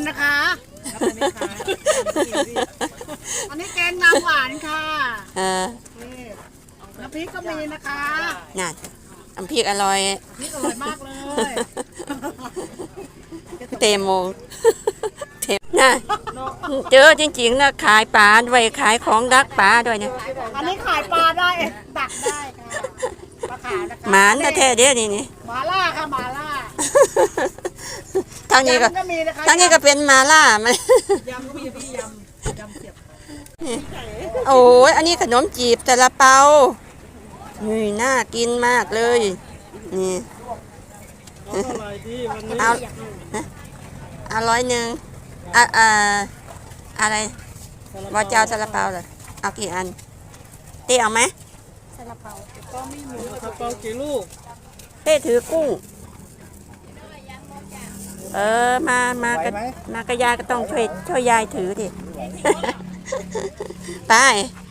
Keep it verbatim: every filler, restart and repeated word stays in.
นะคะอันนี้แกงน้ำหวานค่ะเออน้ำพริกก็มีนะคะน่ะน้ำพริกอร่อยพริกอร่อยมากเลยเตมงเทมน่ะเจอจริงๆนะขายปลาด้วยขายของดักปลาด้วยเนี่ยอันนี้ขายปลาได้ดักได้ค่ะปลาขาวนะคะหมานแท้ๆเด้อนี่นี่หมาล่าค่ะหมาล่าทางนี้ก็ทางนี้ก็เป็นมาล่ามันยำพี่พี่ยำยำเสียบโอ้ยอันนี้ขนมจีบซาลาเปานี่น่ากินมากเลยนี่เอาเอาร้อยหนึ่งอ่ะอ่าอะไรบอเจ้าซาลาเปาเลยเอากี่อันเต้เอาไหมซาลาเปาก็ไม่มีซาลาเปากี่ลูกเต้ถือกุ้งเออมามากระมากระยายก็ต้องช่วยช่วยยายถือดิไป